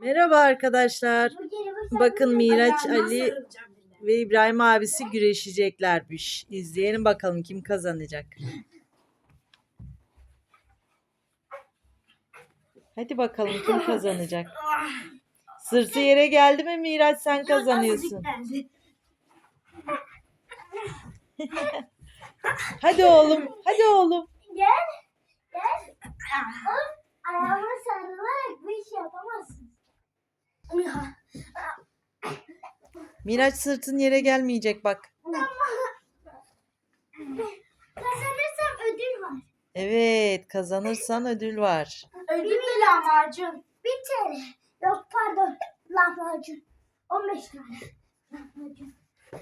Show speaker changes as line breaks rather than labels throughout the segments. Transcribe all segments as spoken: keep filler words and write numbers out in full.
Merhaba arkadaşlar. Bakın Miraç, Ali ve İbrahim abisi güreşeceklermiş. İzleyelim bakalım kim kazanacak. Hadi bakalım kim kazanacak. Sırtı yere geldi mi Miraç, sen kazanıyorsun. Hadi oğlum, hadi oğlum.
Gel. Gel. Ayağıma sarılarak bir iş yapamazsın.
Miraç, sırtın yere gelmeyecek bak.
Kazanırsam ödül var.
Evet, kazanırsan ödül var.
Ödül mü lahmacun? Bir T L. Yok pardon. Lahmacun. on beş tane. Lahmacun.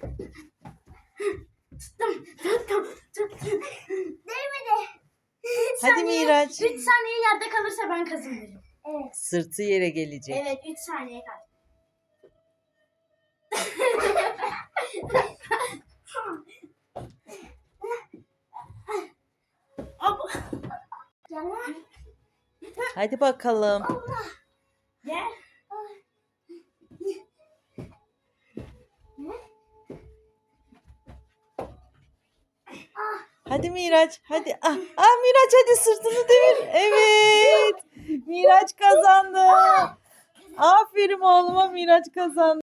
Tuttum. Tuttum. Tuttum. Değmedi.
Hadi Miraç.
üç saniye yerde kalırsa ben kazanırım. Evet.
Sırtı yere gelecek.
Evet, üç saniye kaldı.
Hadi bakalım.
Gel.
Hadi Miraç, hadi. Ah, ah Miraç, hadi sırtını devir. Evet. Miraç kazandı. Aferin oğluma, Miraç kazandı.